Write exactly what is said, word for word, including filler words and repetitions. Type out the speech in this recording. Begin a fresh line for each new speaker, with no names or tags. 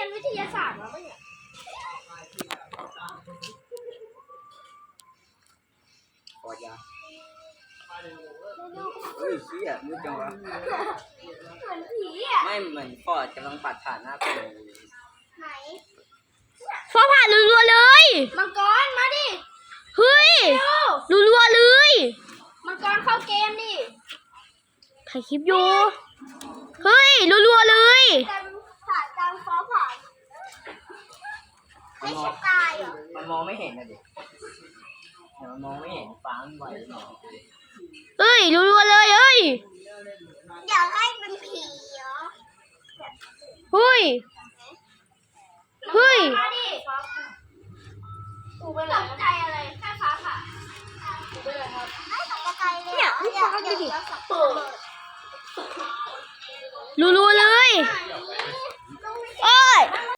นวิทยาศาสตร์มาปะเนี่ย
ปอดยาเฮ้ยเชี่ยมืดจังวะ
เหมือนผีอ่ะ
ไม่เหมือนปอดกำลังปัดผ่านหน้าคนเลย
ไหน
ฟ้าผ่ารัวๆเลย
มังกรมาดิ
เฮ้ยรัวๆเลย
มังกรเข้าเกมดิ
ถ่ายคลิปอยู่เฮ้ยรัวๆเลย
แต่ผ่านตามฟ้าผ่านไม่ใช่ตายเหรอ
มันมองไม่เห็นนะดิเนี่ยมันมองไม่เห็นฟ้ามันไหวหน่อย
เฮ้ยรัวๆเลยเฮ้ย
อยากให้เป็นผีเหรอ
เฮ้ยเฮ้ย
มาดิกูเป็นตกใจอะไรแค่ฟ้าผ่ากูเป็นอะไรครับไม่ตกใจเลยเนี่ยพี่ฟ้าดูดิ
รัวๆเลย